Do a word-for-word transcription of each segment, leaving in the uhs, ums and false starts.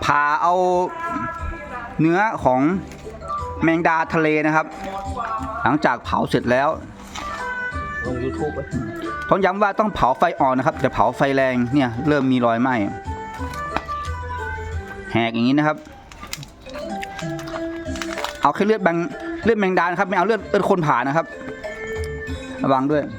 ผ่าเอาเนื้อของแมงดาทะเลนะครับหลังจากเผาเสร็จแล้วลง ยูทูบต้องย้ำว่าต้องเผาไฟอ่อนนะครับจะเผาไฟแรงเนี่ยเริ่มมีรอยไหม้แหกอย่างนี้นะครับเอาแค่เลือดแบงเลือดแมงดานะครับไม่เอาเลือดเลือดคนผ่านะครับระวังด้วย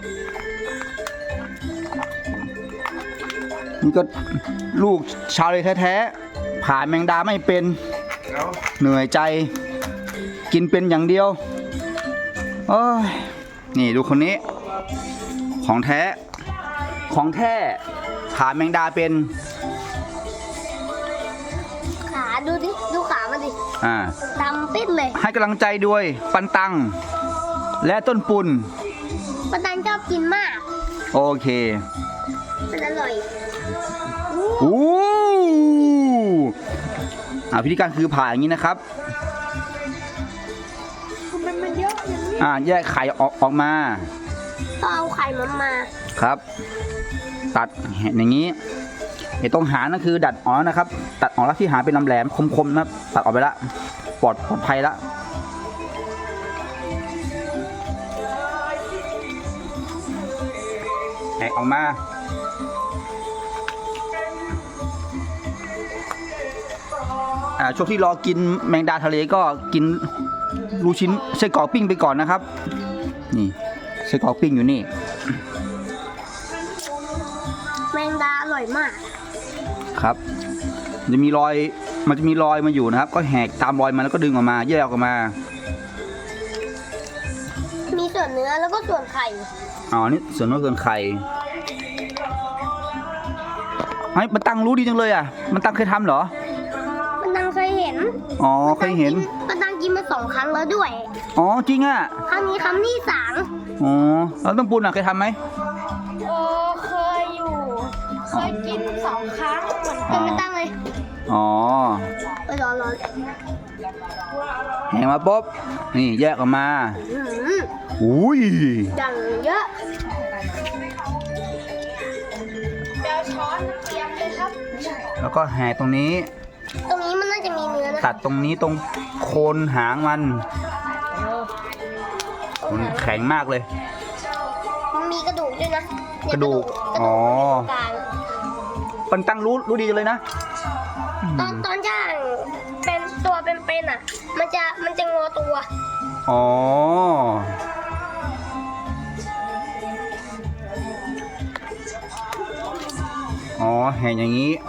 นี่ก็ลูกชาวเลยแท้ๆผ่าแมงดาไม่เป็นเหนื่อยใจกินเป็นอย่างเดียวโอ้ยนี่ดูคนนี้ของแท้ของแท้ผ่าแมงดาเป็นขาดูดิดูขามันดิอ่าดำปิดเลยให้กำลังใจด้วยปันตังและต้นปุนปันตังชอบกินมากโอเคมันอร่อยอู้อ่าวิธีการคือผ่าอย่างนี้นะครับมันมันเยอะอย่างนี้อ่าแยกไข่ออกออกมาต้องเอาไข่มันมาครับตัดอย่างนี้ไอ้ตรงหางนั่นคือดัดออกนะครับตัดออกแล้วที่หางเป็นลำแหลมคมๆนะตัดออกไปละปลอดปลอดภัยละแหกออกมาอ่าช่วงที่รอกินแมงดาทะเลก็กินลูกชิ้นไส้กรอกปิ้งไปก่อนนะครับนี่ไส้กรอกปิ้งอยู่นี่แมงดาอร่อยมากครับจะมีรอยมันจะมีรอยมาอยู่นะครับก็แหกตามรอยมาแล้วก็ดึงออกมาแยกออกมามีส่วนเนื้อแล้วก็ส่วนไข่อ๋อนี่ส่วนเนื้อส่วนไข่ไอ้มันตังรู้ดีจังเลยอ่ะมันตังเคยทำเหรอมันตังเคยเห็นอ๋อเคยเห็นมันตังกินมาสองครั้งแล้วด้วยอ๋อจริงอ่ะครั้งนี้ครั้งที่สามอ๋อแล้วต้มปูนอ่ะเคยทำไหมโอ้เคยอยู่เคยกินสองครั้งเหมือนกันไม่ตั้งเลยอ๋อไปรอรอแหงมาปุ๊บนี่แยกออกมาอุ้ยดังเยอะเดี๋ยวช้อนเตรียมเลยครับแล้วก็แหกตรงนี้ตรงนี้มันน่าจะมีเนื้อนะตัดตรงนี้ตรงโคนหางมันมันแข็งมากเลยมันมีกระดูกด้วยนะกระดูกอ๋อปันตังรู้รู้ดีจังเลยนะตอนตอนย่างเป็นตัวเป็นๆอ่ะมันจะมันจะงอตัวอ๋ออ๋อแห่อย่างนี้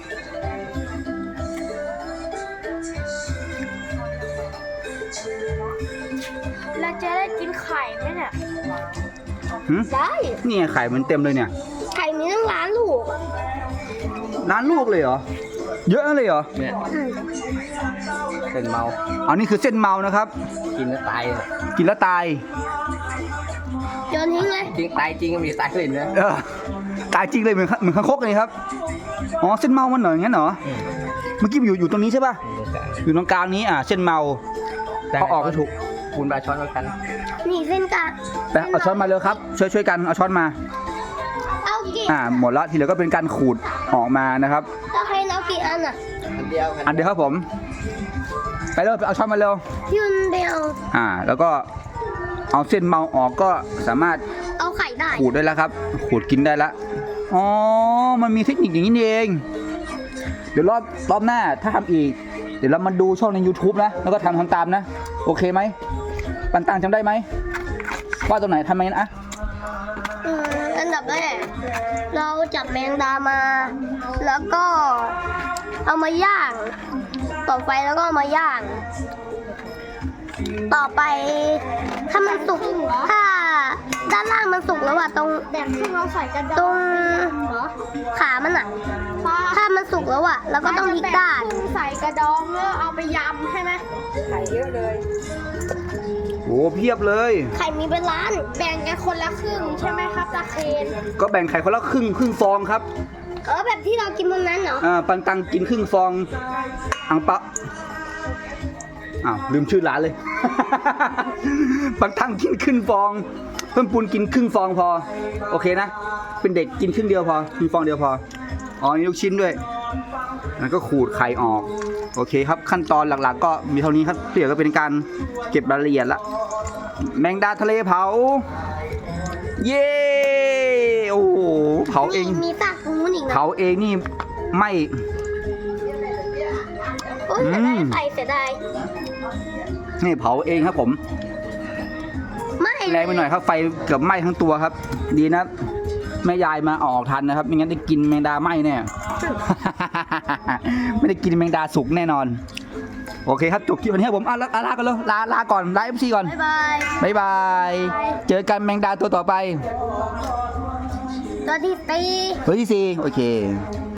เราจะได้กินไข่ไหมเนี่ยได้นี่ไข่มันเต็มเลยเนี่ยไข่มีตั้งล้านลูกล้านลูกเลยเหรอเยอะเลยเหรอเนี่ยเส้นเมาอ๋อนี่คือเส้นเมานะครับกินแล้วตายกินแล้วตายโยนทิ้งเลยจริงตายจริงก็มีตายเลยนะเออตายจริงเลยเหมือนเหมือนข้างคกเลยครับอ๋อเส้นเมามันเหรองั้นเหรอเมื่อกี้อยู่อยู่ตรงนี้ใช่ป่ะอยู่ตรงกลางนี้อ่ะเส้นเมาเขาออกให้ถูกคุณปลาช้อนกันนี่เส้นกลางแต่เอาช้อนมาเลยครับช่วยช่วยกันเอาช้อนมาเอากี่อ่าหมดละทีเหลือก็เป็นการขูดออกมานะครับเราให้เอากี่อันอ่ะอันเดียวอันเดียวครับผมไปเร็วเอาช้อนมาเร็วยืนเดียวอ่าแล้วก็เอาเส้นเมาออกก็สามารถเอาไข่ได้ขูดได้แล้วครับขูดกินได้แล้วอ๋อมันมีเทคนิคอย่างนี้เองเดี๋ยวรอบรอบหน้าถ้าทำอีกเดี๋ยวเรามาดูช่องใน ยูทูบ นะแล้วก็ทำทำตามนะโอเคไหมปันตังจำได้ไหมว่าตรงไหนทำไมนะอืมอันดับแรกเราจับแมงดามาแล้วก็เอามาย่างต่อไฟแล้วก็เอามาย่างต่อไปถ้ามันสุกถ้าด้านล่างมันสุกแล้วอะตรงแบบที่เราใส่กระดองตรงขามันอะถ้ามันสุกแล้วอะแล้วก็ต้องพลิกด้านใส่กระดองแล้วเอาไปยำใช่ไหมไข่เยอะเลยโอ้เพียบเลยไข่มีเป็นล้านแบ่งกันคนละครึ่งใช่ไหมครับตาเคนก็แบ่งไข่คนละครึ่งครึ่งฟองครับเออแบบที่เรากินวันนั้นเหรออ่าปันตังกินครึ่งฟองอังปะอ้าวลืมชื่อร้านเลยปันตังกินครึ่งฟองเพิ่มปูนกินครึ่งฟองพอโอเคนะเป็นเด็กกินครึ่งเดียวพอกินฟองเดียวพออ๋อมีลูกชิ้นด้วยแล้วก็ขูดไข่ออกโอเคครับขั้นตอนหลักๆ ก็มีเท่านี้ครับเดี๋ยวก็เป็นการเก็บรายละเอียดละแมงดาทะเลเผาเย้โอ้โหเผาเองมีฝากตรงนู้นอีกนะเผาเองนี่ไม่โอ้ยเสียดายไฟเสียดายนี่เผาเองครับผมไม่แรงไปหน่อยครับไฟเกือบไหม้ทั้งตัวครับ ดีนะแม่ยายมาออกทันนะครับไม่งั้นได้กินแมงดาไหม้แน่ ไม่ได้กินแมงดาสุกแน่นอนโอเคครับจบคลิปวันนี้ครับผมอ่ะลาลากันเลยลาลาก่อนลาเอฟซีก่อนบ๊ายบายบ๊ายบายเจอกันแมงดาตัวต่อไปตัวที่ตีตัวที่สี่โอเค